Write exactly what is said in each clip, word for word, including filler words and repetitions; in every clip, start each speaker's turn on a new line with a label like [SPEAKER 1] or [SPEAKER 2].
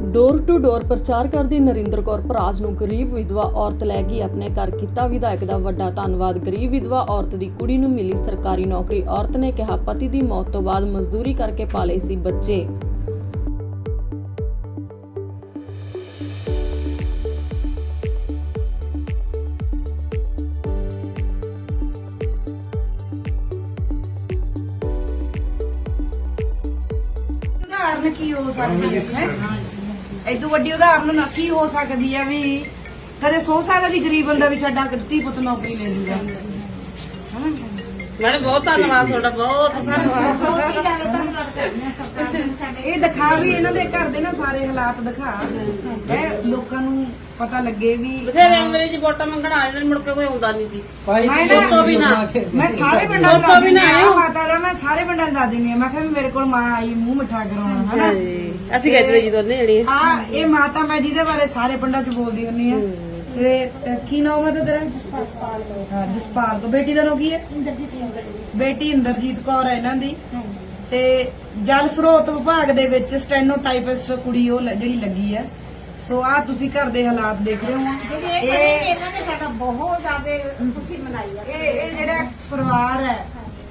[SPEAKER 1] Door to door ਪ੍ਰਚਾਰ ਕਰਦੀ ਨਰਿੰਦਰ ਕੌਰ ਭਰਾਜ ਨੂੰ ਗਰੀਬ ਵਿਧਵਾ ਔਰਤ ਲੈ ਗਈ ਆਪਣੇ ਘਰ। ਕੀਤਾ ਵਿਧਾਇਕ ਦਾ ਵੱਡਾ ਧੰਨਵਾਦ। ਗਰੀਬ ਵਿਧਵਾ ਔਰਤ ਦੀ ਕੁੜੀ ਨੂੰ ਮਿਲੀ ਸਰਕਾਰੀ ਨੌਕਰੀ। ਔਰਤ ਨੇ ਕਿਹਾ ਪਤੀ ਦੀ ਮੌਤ ਤੋਂ ਬਾਅਦ ਮਜ਼ਦੂਰੀ ਕਰਕੇ ਪਾਲੇ ਸੀ ਬੱਚੇ।
[SPEAKER 2] ਉਦਾਹਰਨ ਕੀ ਹੋ ਸਕਦੀ ਹੈ? ਇਦੋਂ ਵੱਡੀ ਉਦਾਹਰਨ ਨਾ ਕੀ ਹੋ ਸਕਦੀ ਹੈ ਵੀ ਕਦੇ ਸੌ ਸਾਲ ਦੀ ਗਰੀਬ ਬੰਦਾ ਵੀ ਸਾਡਾ ਧੀ ਪੁੱਤ ਨੌਕਰੀ ਲੈ ਲੂਗਾ।
[SPEAKER 3] ਮੈਡਮ ਬਹੁਤ ਧੰਨਵਾਦ ਤੁਹਾਡਾ, ਬਹੁਤ ਧੰਨਵਾਦ।
[SPEAKER 2] ਇਹ ਦਿਖਾ ਵੀ ਇਹਨਾਂ ਦੇ ਘਰ ਦੇ ਨਾ ਸਾਰੇ ਹਾਲਾਤ ਦਿਖਾ ਹੈ, ਲੋਕਾਂ ਨੂੰ ਪਤਾ ਲੱਗੇ ਵੀ
[SPEAKER 3] ਬਥੇਰੇ ਅੰਗਰੇਜ਼ੀ ਵੋਟਾਂ ਮੰਗਣ ਆ ਜਾਂਦੇ, ਮੁੜ ਕੇ ਕੋਈ ਆਉਂਦਾ ਨਹੀਂ ਸੀ।
[SPEAKER 2] ਮੈਂ
[SPEAKER 3] ਦੋਸਤੋ ਵੀ ਨਾ
[SPEAKER 2] ਮੈਂ ਸਾਰੇ ਪਿੰਡਾਂ ਦਾ ਦੱਸ ਦਿੰਦੀ ਆ ਮਾਤਾ ਦਾ, ਮੈਂ ਸਾਰੇ ਪਿੰਡਾਂ ਦਾ ਦੱਸ ਦਿੰਦੀ ਆ। ਮੈਂ ਕਿਹਾ ਵੀ ਮੇਰੇ ਕੋਲ ਮਾਂ ਆਈ ਮੂੰਹ ਮਿੱਠਾ ਕਰਾਉਣਾ ਹਨਾ।
[SPEAKER 3] ਅਸੀਂ ਕਹਿੰਦੇ ਜੀ ਦੋਨੇ ਜਣੇ
[SPEAKER 2] ਹਾਂ ਇਹ ਮਾਤਾ ਮੈਂ ਜਿਹਦੇ ਬਾਰੇ ਸਾਰੇ ਪਿੰਡਾਂ 'ਚ ਬੋਲਦੀ ਹੁੰਨੀ ਆ। ਤੇ ਕੀ ਨਾਮ ਹੈ ਤੇਰਾ? ਹਾਂ ਜਸਪਾਲ ਤੋਂ। ਬੇਟੀ ਦਾ ਨਾਮ ਕੀ ਹੈ? ਬੇਟੀ ਇੰਦਰਜੀਤ ਕੌਰ ਹੈ ਇਹਨਾਂ ਦੀ। ਤੇ ਜਲ ਸਰੋਤ ਵਿਭਾਗ ਦੇ ਵਿੱਚ ਸਟੈਨੋਟਾਈਪਿਸਟ ਕੁੜੀ ਉਹ ਜਿਹੜੀ ਲੱਗੀ ਹੈ। ਸੋ ਆ ਤੁਸੀਂ ਘਰ ਦੇ ਹਾਲਾਤ ਦੇਖ ਰਹੇ ਹੋ। ਇਹ
[SPEAKER 4] ਇਹਨਾਂ ਨੇ ਸਾਡਾ ਬਹੁਤ ਜ਼ਿਆਦਾ ਖੁਸ਼ੀ ਮਨਾਈ ਹੈ।
[SPEAKER 2] ਇਹ ਇਹ ਜਿਹੜਾ ਪਰਿਵਾਰ ਹੈ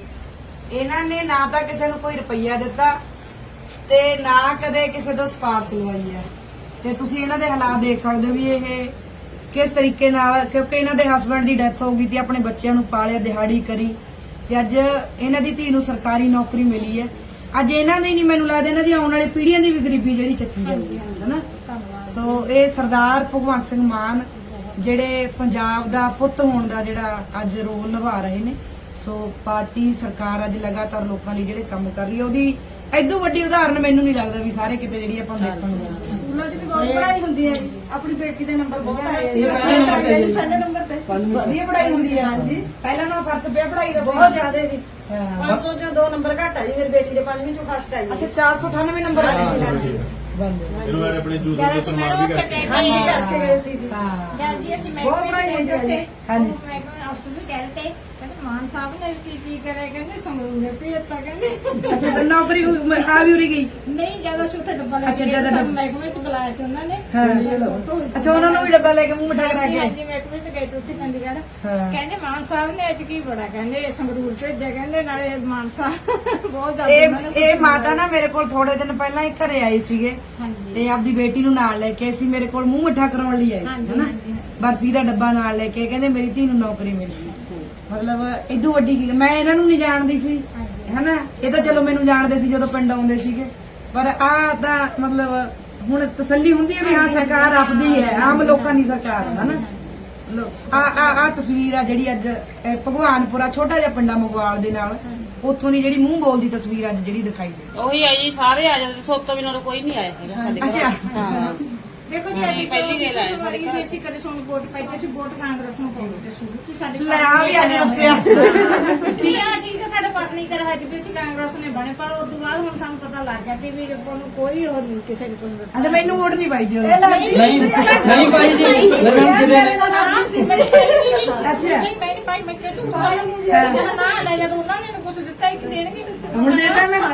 [SPEAKER 2] ਇਹਨਾਂ ਨੇ ਨਾ ਤਾਂ ਕਿਸੇ ਨੂੰ ਕੋਈ ਰੁਪਈਆ ਦਿੱਤਾ ਤੇ ਨਾ ਕਦੇ ਕਿਸੇ ਤੋਂ ਸਪਾਰਸ਼ ਲਵਾਈ ਹੈ। ਤੇ ਤੁਸੀਂ ਇਹਨਾਂ ਦੇ ਹਾਲਾਤ ਦੇਖ ਸਕਦੇ ਹੋ ਵੀ ਇਹ ਕਿਸ ਤਰੀਕੇ ਨਾਲ, ਕਿਉਂਕਿ ਇਹਨਾਂ ਦੇ ਹਸਬੰਡ ਦੀ ਡੈਥ ਹੋ ਗਈ ਤੇ ਆਪਣੇ ਬੱਚਿਆਂ ਨੂੰ ਪਾਲਿਆ, ਦਿਹਾੜੀ ਕਰੀ ਤੇ ਅੱਜ ਇਹਨਾਂ ਦੀ ਧੀ ਨੂੰ ਸਰਕਾਰੀ ਨੌਕਰੀ ਮਿਲੀ ਹੈ। ਅੱਜ ਇਹਨਾਂ ਦੀ ਨਹੀਂ, ਮੈਨੂੰ ਲੱਗਦਾ ਇਹਨਾਂ ਦੀ ਆਉਣ ਵਾਲੀ ਪੀੜ੍ਹੀਆਂ ਦੀ ਵੀ ਗਰੀਬੀ ਜਿਹੜੀ ਚੱਕੀ ਜਾਂਦੀ ਹੈ ਹਨਾ। ਸੋ ਇਹ ਸਰਦਾਰ ਭਗਵੰਤ ਸਿੰਘ ਮਾਨ ਜਿਹੜੇ ਪੰਜਾਬ ਦਾ ਪੁੱਤ ਹੋਣ ਦਾ ਜਿਹੜਾ ਅੱਜ ਰੋਲ ਨਿਭਾ ਰਹੇ ਨੇ। ਸੋ ਪਾਰਟੀ ਸਰਕਾਰ ਅੱਜ ਲਗਾਤਾਰ ਲੋਕਾਂ ਲਈ ਜਿਹੜੇ ਕੰਮ ਕਰ ਰਹੀ ਹੈ, ਉਹਦੀ ਐਦੋਂ ਵੱਡੀ ਉਦਾਹਰਨ ਮੈਨੂੰ ਨਹੀਂ ਲੱਗਦਾ ਵੀ ਸਾਰੇ ਕਿਤੇ ਜਿਹੜੀ ਆਪਾਂ ਦੇਖਣ ਨੂੰ ਮਿਲਦੀ।
[SPEAKER 4] ਸਕੂਲਾਂ 'ਚ ਵੀ ਬਹੁਤ ਪੜ੍ਹਾਈ ਹੁੰਦੀ ਹੈ। ਆਪਣੀ ਬੇਟੀ ਦੇ ਨੰਬਰ ਬਹੁਤ ਆਏ ਸੀ, ਪਹਿਲੇ ਨੰਬਰ ਤੇ
[SPEAKER 2] ਵਧੀਆ ਪੜ੍ਹਾਈ ਹੁੰਦੀ ਹੈ। ਹਾਂਜੀ ਪਹਿਲਾਂ ਨਾਲੋਂ ਫਰਕ ਪਿਆ ਪੜ੍ਹਾਈ ਦਾ
[SPEAKER 4] ਬਹੁਤ ਜ਼ਿਆਦਾ ਜੀ।
[SPEAKER 2] ਹਾਂ।
[SPEAKER 4] ਪੰਜ ਸੌ ਚੋਂ ਦੋ ਨੰਬਰ ਘੱਟ ਆ ਜੀ ਮੇਰੀ ਬੇਟੀ ਦੇ, ਪੰਜਵੀਂ ਚੋਂ ਫਸਟ ਆਈ।
[SPEAKER 2] ਅੱਛਾ ਚਾਰ ਸੌ ਅਠਾਨਵੇਂ ਨੰਬਰ ਆ ਗਏ।
[SPEAKER 4] ਹਾਂਜੀ
[SPEAKER 5] ਇਹਨੂੰ ਮੈਂ ਆਪਣੇ ਦੂਰ ਤੋਂ ਸਨਮਾਨ ਵੀ ਕਰਕੇ
[SPEAKER 4] ਹਾਂਜੀ ਕਰਕੇ ਗਏ ਸੀ ਜੀ।
[SPEAKER 2] ਹਾਂ
[SPEAKER 6] ਜੀ ਅਸੀਂ ਮੈਂ
[SPEAKER 4] ਬਹੁਤ ਪੜ੍ਹਾਈ ਹੁੰਦੀ ਹੈ ਜੀ।
[SPEAKER 2] ਹਾਂਜੀ।
[SPEAKER 6] ਮੈਂ ਅਫਸਰ ਵੀ ਕਹਿ ਰਹੇ ਕਹਿੰਦੇ ਮਾਨ ਸਾਹਿਬ ਨੇ ਕੀ ਕੀ ਕਰਿਆ, ਕਹਿੰਦੇ ਸੰਗਰੂਰ ਨੇ ਭੇਜਤਾ ਕਹਿੰਦੇ।
[SPEAKER 2] ਅੱਛਾ ਤੇ ਨੌਕਰੀ ਆ ਵੀ ਉਰੀ ਗਈ।
[SPEAKER 6] ਨਹੀਂ ਜਦੋਂ ਅਸੀਂ ਉੱਥੇ ਡੱਬਾ ਲੈ
[SPEAKER 2] ਅੱਛਾ,
[SPEAKER 6] ਕੇ
[SPEAKER 2] ਜਦੋਂ
[SPEAKER 6] ਗਏ
[SPEAKER 2] ਡੱਬਾ-
[SPEAKER 6] ਮਹਿਕਮੇ ਚ ਬੁਲਾਇਆ ਸੀ ਉਹਨਾਂ ਨੇ।
[SPEAKER 2] ਹਾਂ। ਅੱਛਾ ਉਹਨਾਂ ਨੂੰ ਵੀ ਡੱਬਾ ਲੈ ਕੇ ਮੂੰਹ ਮਿਠਾ ਕਰਾ ਕੇ।
[SPEAKER 6] ਹਾਂਜੀ ਮਹਿਕਮੇ ਚ ਗਏ ਤੇ ਉੱਥੇ ਚੰਡੀਗੜ੍ਹ।
[SPEAKER 2] ਹਾਂ।
[SPEAKER 6] ਕਹਿੰਦੇ ਮਾਨ ਸਾਹਿਬ ਨੇ ਅੱਜ ਕੀ ਬੜਾ, ਕਹਿੰਦੇ ਸੰਗਰੂਰ ਭੇਜਿਆ, ਕਹਿੰਦੇ ਨਾਲੇ ਮਾਨ ਸਾਹਿਬ ਬਹੁਤ ਜ਼ਿਆਦਾ
[SPEAKER 2] ਇਹ
[SPEAKER 6] ਉਹਨਾਂ ਨੇ
[SPEAKER 2] ਇਹ ਮਾਤਾ ਨਾ ਮੇਰੇ ਕੋਲ ਥੋੜੇ ਦਿਨ ਪਹਿਲਾਂ ਹੀ ਘਰੇ ਆਏ ਸੀਗੇ
[SPEAKER 6] ਹਾਂਜੀ
[SPEAKER 2] ਤੇ ਆਪਦੀ ਬੇਟੀ ਨੂੰ ਨਾਲ ਲੈ ਕੇ ਅਸੀਂ ਮੇਰੇ ਕੋਲ ਮੂੰਹ ਮਿੱਠਾ ਕਰਾਉਣ ਲਈ ਆਏ
[SPEAKER 6] ਹਾਂਜੀ,
[SPEAKER 2] ਹਨਾ।
[SPEAKER 6] ਹਾਂਜੀ।
[SPEAKER 2] ਬਰਫੀ ਦਾ ਡੱਬਾ ਨਾਲ ਲੈ ਕੇ ਕਹਿੰਦੇ ਮੇਰੀ ਧੀ ਨੂੰ ਨੌਕਰੀ ਮਿਲ ਗਈ। ਮਤਲਬ ਇਦੋਂ ਵੱਡੀ ਕੀ, ਮੈਂ ਇਹਨਾਂ ਨੂੰ ਨਹੀਂ ਜਾਣਦੀ ਸੀ ਹਨਾ। ਇਹ ਤਾਂ ਚਲੋ ਮੈਨੂੰ ਜਾਣਦੇ ਸੀ ਜਦੋਂ ਪਿੰਡ ਆਉਂਦੇ ਸੀਗੇ, ਪਰ ਆ ਤਾਂ ਮਤਲਬ ਹੁਣ ਤਸੱਲੀ ਹੁੰਦੀ ਹੈ ਵੀ ਹਾਂ ਸਰਕਾਰ ਆਪਦੀ ਹੈ, ਆਮ ਲੋਕਾਂ ਦੀ ਸਰਕਾਰ ਹੈ ਹਨਾ। ਆ ਆ ਆ ਤਸਵੀਰ ਆ ਜਿਹੜੀ ਅੱਜ ਇਹ ਭਗਵਾਨਪੁਰਾ ਛੋਟਾ ਜਿਹਾ ਪਿੰਡਾ ਮਗਵਾਲ ਦੇ ਨਾਲ ਉੱਥੋਂ ਦੀ ਜਿਹੜੀ ਮੂੰਹ ਬੋਲਦੀ ਤਸਵੀਰ ਅੱਜ ਜਿਹੜੀ ਦਿਖਾਈ ਦੇ।
[SPEAKER 3] ਉਹੀ ਆ ਜੀ, ਸਾਰੇ ਆ ਜਾਂਦੇ, ਸੋਤੋਂ ਬਿਨਾਂ ਤਾਂ ਕੋਈ ਨਹੀਂ ਆਇਆ ਹੈਗਾ ਸਾਡੇ ਘਰ।
[SPEAKER 2] ਅੱਛਾ।
[SPEAKER 3] ਹਾਂ
[SPEAKER 6] ਦੇਖੋ ਜੀ
[SPEAKER 3] ਨਹੀਂ,
[SPEAKER 6] ਅਸੀਂ
[SPEAKER 3] ਪਹਿਲੀ ਗੱਲ ਆਏ ਸਾਡੇ ਘਰ।
[SPEAKER 6] ਅਸੀਂ ਕਦੇ ਸਾਨੂੰ ਵੋਟ ਪਾਈ ਤੇ ਅਸੀਂ ਵੋਟ ਕਾਂਗਰਸ ਨੂੰ ਪਾਉਂਦੇ ਤੇ ਸ਼ੁਰੂ ਤੋਂ ਸਾਡੇ
[SPEAKER 2] ਲੈ ਆ ਵੀ ਅੱਜ ਦੱਸਿਆ।
[SPEAKER 6] ਠੀਕ ਹੈ ਠੀਕ ਹੈ, ਸਾਡੇ ਪਤਨੀ ਕਰ ਹਜ ਵੀ ਅਸੀਂ ਕਾਂਗਰਸ ਨੇ ਬਣੇ, ਪਰ ਉਸ ਤੋਂ ਬਾਅਦ ਹੁਣ ਸਾਨੂੰ ਪਤਾ ਲੱਗ ਗਿਆ ਕਿ ਵੀ ਆਪਾਂ ਨੂੰ ਕੋਈ ਹੋਰ ਨਹੀਂ ਕਿਸੇ ਨੂੰ ਕੋਈ।
[SPEAKER 2] ਅੱਛਾ ਮੈਨੂੰ ਵੋਟ ਨਹੀਂ ਪਾਈ ਜੀ ਉਹਨੇ।
[SPEAKER 4] ਨਹੀਂ
[SPEAKER 5] ਨਹੀਂ ਭਾਈ ਜੀ
[SPEAKER 4] ਮੇਰੇ ਨਾਲ ਨਾਲ ਸੀ ਮੇਰੀ
[SPEAKER 2] ਅੱਛਾ।
[SPEAKER 6] ਨਹੀਂ ਮੈਂ ਨਹੀਂ ਪਾਈ, ਮੈਂ ਕਿਹਾ ਤੂੰ ਪਾਏਂਗੀ ਜੀ ਨਾ ਲੈ ਜਦੋਂ ਉਹਨਾਂ ਨੇ ਕੁਝ ਦਿੱਤਾ ਇੱਕ ਦੇਣਗੇ।
[SPEAKER 2] ਹੁਣ ਦੇ ਦਾਂ ਨਾ।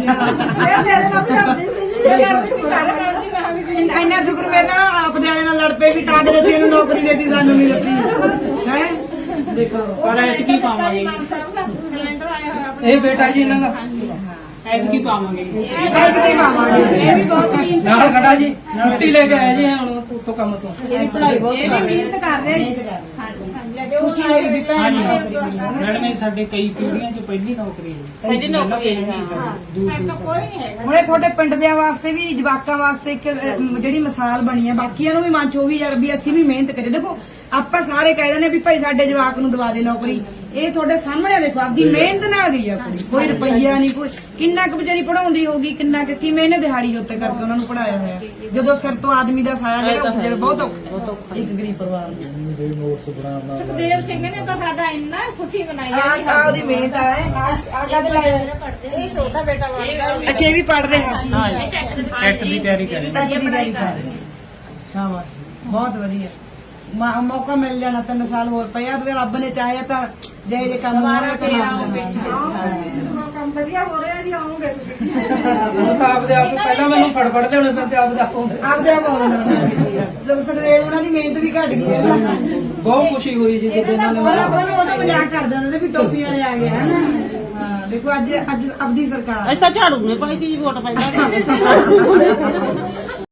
[SPEAKER 4] ਇਹ ਮੇਰੇ ਨਾਲ ਵੀ ਲੜਦੀ ਸੀ ਜੀ।
[SPEAKER 6] ਸਾਰੇ ਕੰਮ ਦੀ ਮੈਂ ਵੀ
[SPEAKER 2] ਇੰਨਾ ਇੰਨਾ ਸ਼ੁਕਰ ਮੇਰੇ ਨਾਲ ਆਪ ਦੇ ਵਾਲੇ ਨਾਲ ਲੜ ਪਏ ਵੀ ਕਾਂਗਰਸ ਇਹਨੂੰ ਨੌਕਰੀ ਦੇਤੀ ਸਾਨੂੰ ਨਹੀਂ ਦਿੱਤੀ ਹੈ। ਦੇਖੋ
[SPEAKER 6] ਪਰ ਐਤਕੀ ਪਾਵਾਂਗੇ ਮਾਨ ਸਾਹਿਬ ਦਾ ਸਿਲੰਡਰ ਆਇਆ ਹੋਇਆ ਆਪਣੇ।
[SPEAKER 5] ਇਹ ਬੇਟਾ ਜੀ ਇਹਨਾਂ ਦਾ ਐਤਕੀ ਪਾਵਾਂਗੇ।
[SPEAKER 2] ਐਤਕੀ ਪਾਵਾਂਗੇ।
[SPEAKER 6] ਇਹ ਵੀ ਬਹੁਤ ਹੀ
[SPEAKER 5] ਨਾਲ ਖੜਾ ਜੀ ਛੁੱਟੀ ਲੈ ਕੇ ਆਏ ਜੀ ਹੁਣ ਉੱਥੋਂ ਕੰਮ ਤੋਂ।
[SPEAKER 2] ਇਹਦੀ ਪੜ੍ਹਾਈ ਬਹੁਤ
[SPEAKER 6] ਇਹ ਵੀ ਮਿਹਨਤ ਕਰ ਰਹੇ ਜੀ। ਹਾਂਜੀ ਹਾਂਜੀ
[SPEAKER 2] ਖੁਸ਼ੀ ਹੋਈ ਵੀ ਭੈਣ ਨੂੰ ਨੌਕਰੀ ਮਿਲੀ।
[SPEAKER 7] ਮੈਡਮ ਇਹ ਸਾਡੇ ਕਈ ਪੀੜ੍ਹੀਆਂ 'ਚ ਪਹਿਲੀ ਨੌਕਰੀ ਹੈ।
[SPEAKER 3] ਪਹਿਲੀ ਨੌਕਰੀ ਹੈ।
[SPEAKER 7] ਦੂਰ
[SPEAKER 6] ਸਾਡੇ ਤਾਂ ਕੋਈ ਨਹੀਂ ਹੈਗਾ।
[SPEAKER 2] ਹੁਣ ਇਹ ਤੁਹਾਡੇ ਪਿੰਡ ਦਿਆਂ ਵਾਸਤੇ ਵੀ ਜਵਾਕਾਂ ਵਾਸਤੇ ਇੱਕ ਅਹ, ਜਿਹੜੀ ਮਿਸਾਲ ਬਣੀ ਹੈ, ਬਾਕੀਆਂ ਨੂੰ ਵੀ ਮਨ ਚ ਉਹ ਵੀ ਯਾਰ ਵੀ ਅਸੀਂ ਵੀ ਮਿਹਨਤ ਕਰੀਏ। ਦੇਖੋ ਆਪਾਂ ਸਾਰੇ ਕਹਿ ਦਿੰਦੇ ਵੀ ਭਾਈ ਸਾਡੇ ਜਵਾਕ ਨੂੰ ਦਵਾ ਦੇ ਨੌਕਰੀ। ਇਹ ਤੁਹਾਡੇ ਸਾਹਮਣੇ ਦੇਖੋ ਆਪਦੀ ਮਿਹਨਤ ਨਾਲ ਗਈ ਆ ਕੁੜੀ, ਕੋਈ ਰੁਪਈਆ ਨਹੀਂ, ਕੋਈ ਕਿੰਨਾ ਕੁ ਵਿਚਾਰੀ ਪੜਾਉਂਦੀ ਹੋਗੀ, ਕਿੰਨਾ ਕੁ ਕਿਵੇਂ ਇਹਨੇ ਦਿਹਾੜੀ ਉੱਤੇ ਕਰਕੇ ਉਹਨਾਂ ਨੂੰ ਪੜਾਇਆ ਹੋਇਆ, ਜਦੋਂ ਸਿਰ ਤੋਂ ਆਦਮੀ ਦਾ ਸਾਇਆ ਜਿਹੜਾ ਉੱਠ ਜਾਵੇ ਬਹੁਤ ਔਖਾ ਇੱਕ ਗਰੀਬ ਪਰਿਵਾਰ ਨੂੰ।
[SPEAKER 6] ਸੁਖਦੇਵ ਸਿੰਘ ਨੇ ਤਾਂ ਸਾਡਾ ਇੰਨਾ ਖੁਸ਼ੀ ਮਨਾਈ
[SPEAKER 2] ਆ
[SPEAKER 6] ਹੈ।
[SPEAKER 2] ਆ ਉਹਦੀ ਮਿਹਨਤ ਆ ਆ ਕਦ ਲਾਇਆ।
[SPEAKER 6] ਇਹ ਛੋਟਾ ਬੇਟਾ ਵਾ।
[SPEAKER 2] ਅੱਛਾ ਇਹ ਵੀ ਪੜ ਰਿਹਾ
[SPEAKER 7] ਟੈਟ ਦੀ ਤਿਆਰੀ ਕਰ ਰਹੇ
[SPEAKER 2] ਟੈਟ ਦੀ ਤਿਆਰੀ ਕਰ ਰਹੇ ਸ਼ਾਬਾਸ਼ ਬਹੁਤ ਵਧੀਆ। ਮਾ- ਮੌਕਾ ਮਿਲ ਜਾਣਾ ਤਿੰਨ ਸਾਲ ਹੋਰ ਪਿਆ ਤੇ ਰੱਬ ਨੇ ਚਾਹਿਆ ਤਾਂ ਜੇ ਜੇ ਕੰਮ ਹੋ ਰਿਹਾ ਤਾਂ
[SPEAKER 4] ਆਉਂਗੇ ਜਦੋਂ ਕੰਮ ਵਧੀਆ ਹੋ ਰਿਹਾ ਜੀ ਆਉਂਗੇ ਤੁਸੀਂ
[SPEAKER 5] ਹੁਣ ਤਾਂ ਆਪਦੇ ਆਪ ਪਹਿਲਾਂ ਮੈਨੂੰ ਫੜ ਫੜ ਲਿਆਉਣੇ ਪੈਂਦੇ ਆਪਦੇ ਆਪ ਨੂੰ।
[SPEAKER 2] ਆਪਦੇ ਆਪ ਆਉਣਾ ਸੁਖਦੇਵ ਉਹਨਾਂ ਦੀ ਮਿਹਨਤ ਵੀ ਘਟ ਗਈ ਹੈ ਨਾ
[SPEAKER 5] ਬਹੁਤ ਖੁਸ਼ੀ ਹੋਈ ਜੀ ਜਦੋਂ ਇਹਨਾਂ ਨੇ
[SPEAKER 2] ਪਰ ਆਪਾਂ ਨੂੰ ਉਹਦਾ ਮਜ਼ਾਕ ਕਰਦੇ ਹੁੰਦੇ ਤੇ ਵੀ ਟੋਪੀ ਵਾਲੇ ਆ ਗਏ ਹਨਾ ਹਾਂ ਦੇਖੋ ਅੱਜ ਅੱਜ ਆਪਦੀ ਸਰਕਾਰ
[SPEAKER 3] ਅਸੀਂ ਤਾਂ ਝਾੜੂ ਨੇ ਪਾਈ ਤੀ ਵੋਟ ਪਾਈ